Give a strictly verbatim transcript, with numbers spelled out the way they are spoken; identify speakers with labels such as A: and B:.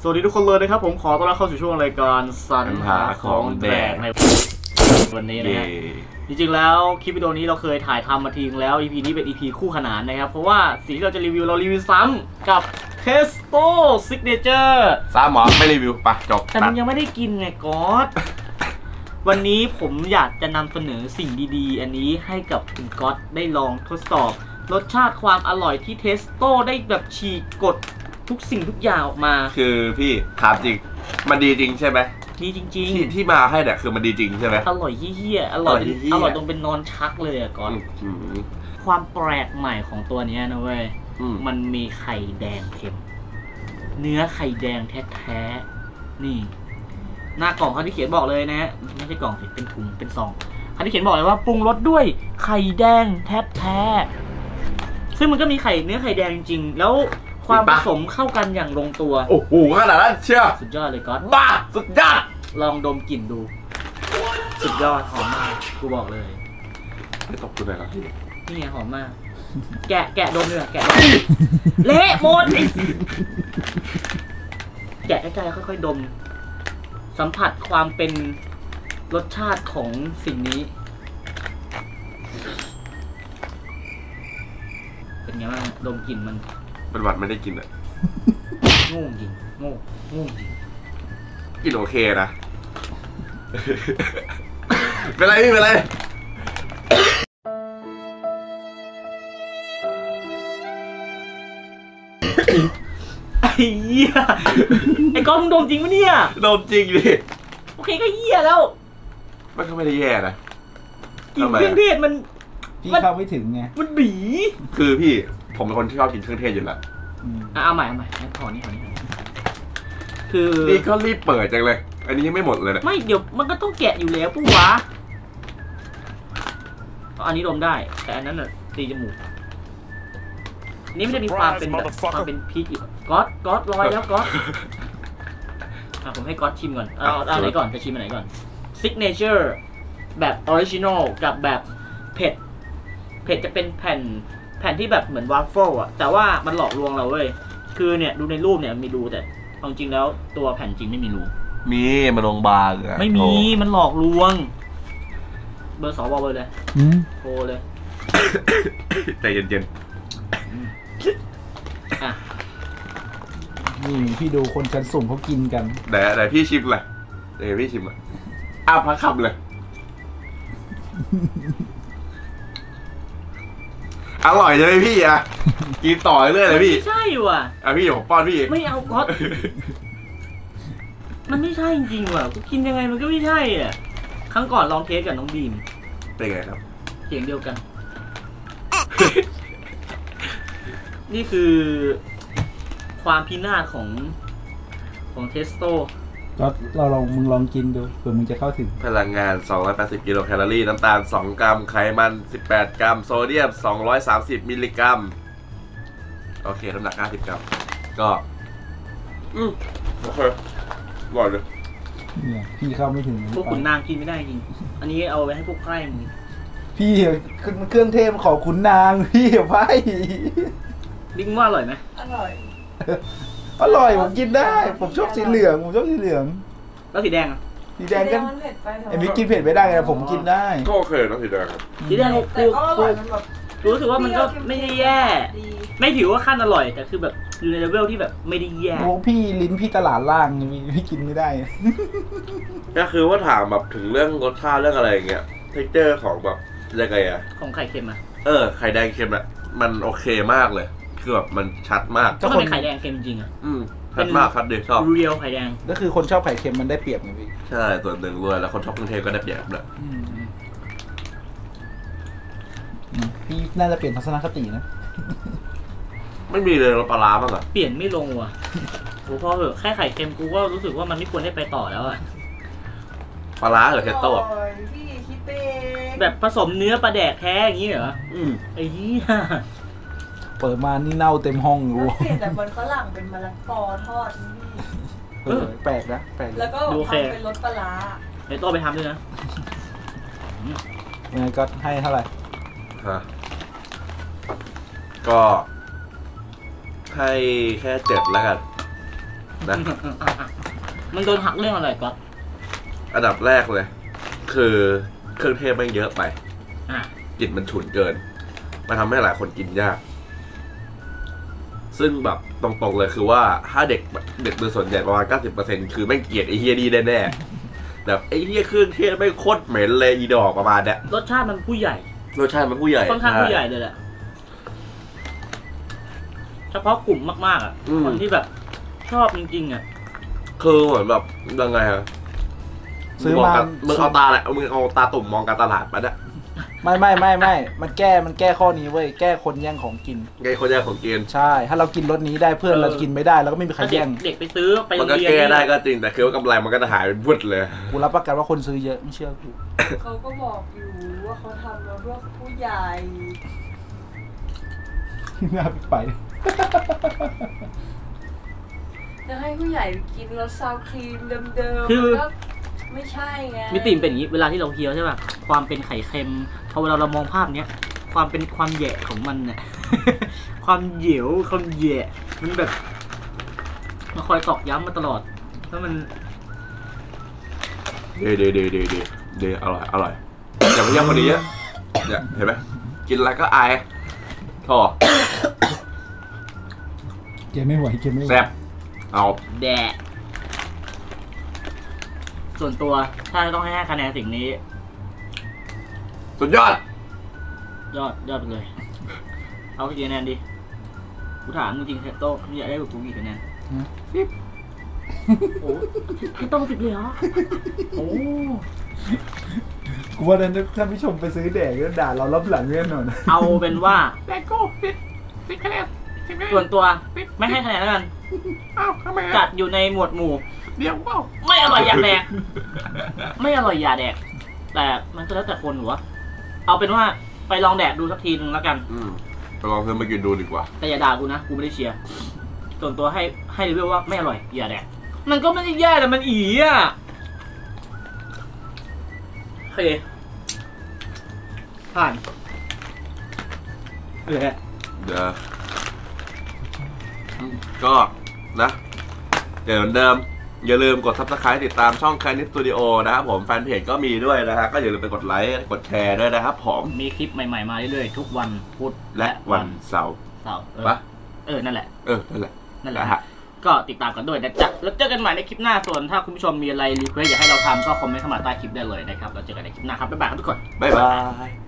A: สวัสดีทุกคนเลยนะครับผมขอต้อนรับเข้าสู่ช่วงรายการสรรหาของแดกในวันนี้นะฮะจริงๆแล้วคลิปวิดีโอนี้เราเคยถ่ายทำมาทีนึงแล้ว อี พี นี้เป็น อี พี คู่ขนานนะครับเพราะว่าสิ่งที่เราจะรีวิวเรารีวิวซ้ำกับ Testo Signature
B: ซ้ำหมอไม่รีวิวปะจบ
A: แต่มันยังไม่ได้กินไงก๊อตวันนี้ผมอยากจะนำเสนอสิ่งดีๆอันนี้ให้กับคุณก๊อตได้ลองทดสอบรสชาติความอร่อยที่ Testo ได้แบบฉีกกฎทุกสิ่งทุกอย่างออกมา
B: คือพี่ถามจริงมันดีจริงใช่ไหม
A: ดีจริงๆ
B: ที่ที่มาให้เนี่ยคือมันดีจริงใช่ไหม
A: อร่อยเหี้ยอร่อยอร่อยตรงเป็นนอนชักเลยอะก่อนความแปลกใหม่ของตัวนี้นะเว้ยมันมีไข่แดงเค็มเนื้อไข่แดงแท้ๆนี่หน้ากล่องเขาที่เขียนบอกเลยนะฮะไม่ใช่กล่องสิเป็นถุงเป็นซองเขาที่เขียนบอกเลยว่าปรุงรสด้วยไข่แดงแท้ๆซึ่งมันก็มีไข่เนื้อไข่แดงจริงๆแล้วความผสมเข้ากันอย่างลงตัว
B: โอ้โหขนาดนั้นเชื่อ
A: สุดยอดเลยก๊อต
B: บ้าสุดยอด
A: ลองดมกลิ่นดูสุดยอดหอมมากกูบอกเลย
B: ไม่ตกตัวไหนครับ
A: นี่ไงหอมมากแกะแกะดมเลยแกะเละหมดแกะใกล้ๆค่อยๆดมสัมผัสความเป็นรสชาติของสิ่งนี้เป็นไงบ้างดมกลิ่นมัน
B: เป็นหวัดไม่ได้กินอ่ะ
A: โง่จริงโง่โง่จริง
B: กินโอเคนะเป็นไรพี่เป็นไร
A: ไอ้เหี้ยไอ้ก้อนมึงดมจริงปะเนี่ย
B: ดมจริงดิ
A: โอเคก็เหี้ยแล้ว
B: มันก็ไม่ได้แย่นะ
A: กลิ่นเครื่องเทศมัน
C: พี่เข้าไม่ถึงไง
A: มันบี
B: คือพี่ผมเป็นคนที่ชอบกินเครื่องเทศอยู่แล้ว
A: เอาใหม่เอาใหม่ขอนี่ขอนี่คือ
B: นี่ก็รีบเปิดจังเลยอันนี้ยังไม่หมดเลยนะ
A: ไม่เดี๋ยวมันก็ต้องแกะอยู่แล้วปุ๊บวะอันนี้ดมได้แต่อันนั้นน่ะตีจมูกนี่ไม่ได้มีความเป็นแบบความเป็นพีชอีกก๊อตก๊อตลอยแล้วก๊อตอ่ะผมให้ก๊อตชิมก่อนเอาเอาไหนก่อนจะชิมอันไหนก่อน Signature แบบออริจินอลกับแบบเผ็ดเผ็ดจะเป็นแผ่นแผ่นที่แบบเหมือนวาฟเฟิลอะแต่ว่ามันหลอกลวงเราเว้ยคือเนี่ยดูในรูปเนี่ยมีรูแต่จริงแล้วตัวแผ่นจริงไม่มีรู
B: มีมันลงบางอะ
A: ไม่มีมันหลอกลวงเบอร์สองบอกเบอร์เลยโทรเลย
B: ใจเย็น
C: ๆอ่ะนี่พี่ดูคนชั้นสูงเขากินกัน
B: แต่แต่พี่ชิมเลยเดี๋ยวพี่ชิมอ่ะอ้าวพักขับเลยอร่อยเลยพี่อ่ะกินต่อเรื่อยเลยพี่
A: ไม่ใช่ว่ะ
B: อ่ะพี่เดี๋ยวผมป้อนพี่
A: ไม่เอาก๊อตมันไม่ใช่จริงๆว่ะกูกินยังไงมันก็ไม่ใช่อ่ะครั้งก่อนลองเทสกับน้องบีม
B: เป็นไงครับ
A: เสียงเดียวกันนี่คือความพินาศของของเทสโต
C: ก็เราลองมึงลองกินดูเผื่อมึงจะเข้าถึง
B: พลังงานสองร้อยแปดสิบกิโลแคลอรี่น้ำตาลสองกรัมไขมันสิบแปดกรัมโซเดียมสองร้อยสามสิบมิลลิกรัมโอเคน้ำหนักห้าสิบกรัมก็อืมโอเคอร่อยเลย
C: เนี่ยพี่เข้าไม่ถึง
A: พวกขุนนางกินไม่ได้จริงอันนี้เอาไว้ให้พวกใกล้มึง
C: พี่เครื่องเทศขอขุนนางพี่ไพ่
A: ดิ้งว่าอร่อยไหม
D: อร่อย
C: อร่อยผมกินได้ผมชอบสีเหลืองผมชอบสีเหลือง
A: แล้วสีแดงอ่ะ
C: สีแดงก็ไอ้มิกกินเผ็ดไม่ได้ไงผมกินได้
B: ก็โอเคนะสีแดง
A: สีแดงกูกูรู้สึกว่ามันก็ไม่ได้แย่ไม่ถือว่าขั้นอร่อยแต่คือแบบอยู่ในเลเวลที่แบบไม่ได้แย่
C: โอ้พี่ลิ้นพี่ตลาดล่างพี่กินไม่ได้
B: ก็คือว่าถามแบบถึงเรื่องรสชาติเรื่องอะไรอย่างเงี้ยเทคเจอร์ของแบบยังไงอะ
A: ของไข่เค็มอะ
B: เออไข่แดงเค็มอะมันโอเคมากเลยคือแบบมันชัดมาก
A: ก็เป็นไข่แดงเค็มจริงอะ
B: อืมชัดมากชัดดีชอบ
A: เรียวไข่แดง
C: ก็คือคนชอบไข่เค็มมันได้เปรียบไงพี่
B: ใช่ส่วนหนึ่งด้วยแล้วคนชอบเครื่องเทศก็ได้เปรียบด้วย
C: พี่น่าจะเปลี่ยนทัศนคตินะ
B: ไม่มีเลยรสปลาร้าบ้างอะ
A: เปลี่ยนไม่ลงว่ะโอ้พอเหอะแค่ไข่เค็มกูก็รู้สึกว่ามันไม่ควรได้ไปต่อแล้วอะ
B: ปลาร้าหรือเทสโต้
A: แบบผสมเนื้อปลาแดกแท้อย่างนี้เหรออืมไอ้ยี่
C: เปิดมานี่เน่าเต็มห้องอยู่
D: เปลี่ยนจากมันฝรั่งเป็นมะละกอทอด
C: นี่แปลกนะแปลก
D: แล้วก็ทำเป็นรสปลาร้า
A: ไอ้โต้ไปทำด้วยนะ
C: ยังไงก็ให้เท่าไหร่
B: ฮะก็ให้แค่เจ็ดแล้วกันนะ
A: มันโดนหักเรื่องอะไรก๊อต
B: อันดับแรกเลย คือเครื่องเทศมันเยอะไป
A: อ่ะ
B: กลิ่นมันฉุนเกินมันทำให้หลายคนกินยาก ซึ่งแบบตรงๆเลยคือว่าถ้าเด็กเด็กโดยส่วนใหญ่ประมาณ เก้าสิบเปอร์เซ็นต์ คือไม่เกลียดไอ้เฮียดีแน่ๆแบบไอ้เฮียเครื่องเทศไม่โคตรเหม็นเลยอีดอกประมาณเนี้ย
A: รสชาติมันผู้ใหญ่
B: รสชาติมันผู้ใหญ่
A: ค่อนข้างผู้ใหญ่เลยแหละเฉพาะกลุ่มมากๆอ่ะคนที่แบบชอบจริงๆอ่ะ
B: คือเหมือนแบบยังไงฮะ
C: ซื้อมา
B: มึงเอาตาแหละมึงเอาตาตุ่มมองการตลาดมาเนี่ย
C: ไม่ไม่ไม่ไม่มันแก้มันแก้ข้อนี้เว้ยแก้คนแย่งของกิน
B: ไงคนแย่งของกิน
C: ใช่ ถ้าเรากินรสนี้ได้เพื่อนเรากินไม่ได้แล้วก็ไม่มีใคร
A: ถ้าเด็
C: แย่
A: ก
C: ง
A: เด็กไปซื้อไปโร
B: มัน
A: ง
B: ก็
A: เรียน
B: แก้ได้ก็จริงแต่คือว่ากำไรมันก็จะหายไปพุดเลย
C: กูรับประกันว่าคนซื้อเยอะไม่เชื่อกู
D: เขาก็บอกอยู่ว่าเขาทำมาเพื่อผู้ใหญ่
C: น่าไป
D: จะให้ผู้ใหญ่กินรสซาวครีมเดิมๆมันก็ไม่ใช่ไง
A: มิติเป็นอย่างนี้เวลาที่เราเคี้ยวใช่ป่ะความเป็นไข่เค็มพอเวลาเรามองภาพเนี้ยความเป็นความแหย่ของมันเนี่ย ความเหยวความแหย่มันแบบมันคอยตอกย้ำมาตลอดแล้วมัน
B: เดเดเดเดเดเดอร่อยอร่อยอย่าไปเยี่ยมคนนี้เยอะเนี่ยเห็นไหมกินอะไรก็อายโถ่
C: เกมไม่ไหวเกมไม่ไหว
B: แซ่บเอา
A: แดะส่วนตัวถ้าต้องให้ห้าคะแนนสิ่งนี้
B: สุดยอด
A: ยอดยอดไปเลย เอากี่คะแนนดีกูถามจริงๆเทโต้มึงอยากได้แบบกูกี่คะแนนสิบโอ้เทโต้สิบเลยเหรอโอ้
C: กูว่านั้นท่านผู้ชมไปซื้อแดกก็ด่าเรารับหลังแน่นอน
A: เอาเป็นว่าแบโก้สิบสิบคะแนนส่วนตัวไม่ให้คะแนนแล้วกัน
B: อ้าวทำไม
A: จัดอยู่ในหมวดหมู่
B: เดี๋ยวว้าว
A: ไม่อร่อยอย่าแดก ไม่อร่อยอย่าแดก แต่มันก็แล้วแต่คนหัวเอาเป็นว่าไปลองแดกดูสักทีนึงแล้วกัน
B: อืมไปลองซื้อมากินดูดีกว่า
A: แต่อย่าด่ากูนะ กูไม่ได้เชียร์ ส่วนตัวให้ให้รีวิวว่าไม่อร่อยอย่าแดก มันก็ไม่ได้แย่แต่มันอีอ่ะโอเคผ่านเออ
B: เดี๋ยวอืมก็นะเดี๋ยวเหมือนเดิม อย่าลืมกด ซับสไครบ์ ติดตามช่อง Chinese Studio นะครับผมแฟนเพจก็มีด้วยนะฮะก็อย่าลืมไปกดไลค์กดแชร์ด้วยนะครับผม
A: มีคลิปใหม่ๆมาเรื่อยๆทุกวันพุธ
B: และวันเสาร์
A: เสาร์เออ
B: ปะ
A: เออ นั่นแหละ
B: เออนั่นแหละ
A: นั่นแหละ
B: นะฮะ
A: ก็ติดตามกันด้วยนะจ๊ะแล้วเจอกันใหม่ในคลิปหน้า ส่วนถ้าคุณผู้ชมมีอะไรรีเควสอยากให้เราทำก็คอมเมนต์เข้ามาใต้คลิปได้เลยนะครับ แล้วเจอกันในคลิปหน้าครับ บ๊ายบายครับทุกคน
B: บ๊ายบาย